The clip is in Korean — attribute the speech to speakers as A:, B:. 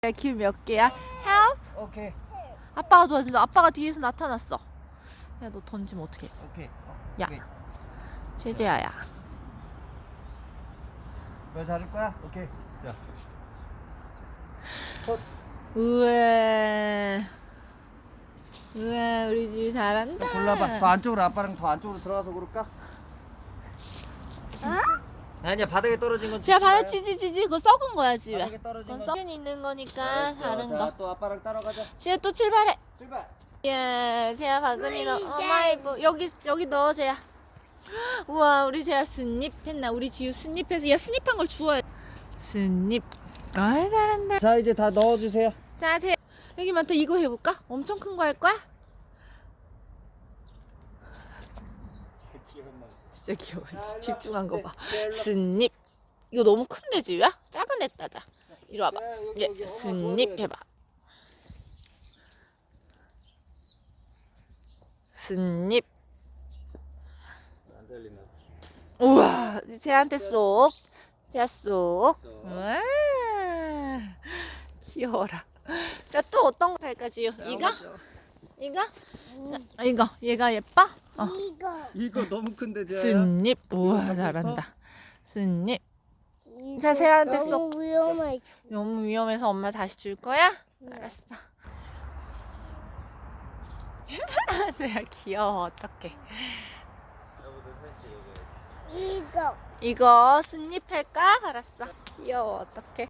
A: 길 몇 개야? Help?
B: 오케이.
A: 아빠가 도와준다. 아빠가 뒤에서 나타났어. 야, 너 던지면 어떡해?
B: 오케이.
A: 야,
B: 오케이.
A: 제재야야.
B: 너 잡을 거야? 오케이. 자. 첫.
A: 우와. 우와, 우리 집 잘한다.
B: 골라봐. 더 안쪽으로 아빠랑 더 안쪽으로 들어가서 고를까? 아니야, 바닥에 떨어진 건.
A: 지야, 바다 치지. 그거 썩은 거야, 지야.
B: 바닥에 떨어진
A: 그건
B: 건.
A: 썩은 있는 거니까
B: 알았어.
A: 다른
B: 자,
A: 거.
B: 또 아빠랑 따라가자.
A: 지야, 또 출발해.
B: 출발.
A: 예, 제야 바구니 넣어. 어마이브 여기 넣어, 제야. 우와, 우리 제야 스닙했나? 우리 지우 스닙해서 야, 스닙한 걸 주워야. 스닙. 아이, 잘한다.
B: 자, 이제 다 넣어주세요.
A: 자, 제 여기 많다. 이거 해볼까? 엄청 큰 거 할 거야? 진짜 귀여워. 집중한 거 봐. 스닙. 이거 너무 큰데, 지우야? 작은 애 따자. 이리 와봐. 예, 스닙 해봐. 스닙.
B: 안 들리나?
A: 우와, 쟤한테 쏙. 쟤 쏙. 우와, 귀여워라. 자, 또 어떤 거 할까, 지우? 이거? 이거? 이거. 얘가 예뻐?
B: 이거 너무 큰데, 쟤야.
A: 스닙. 우와, 잘한다. 스닙. 자, 쟤한테 쏙.
C: 너무 위험해.
A: 너무 위험해서 엄마 다시 줄 거야? 알았어. 쟤야 귀여워. 어떡해.
C: 이거.
A: 이거 스닙 할까? 알았어. 귀여워. 어떡해.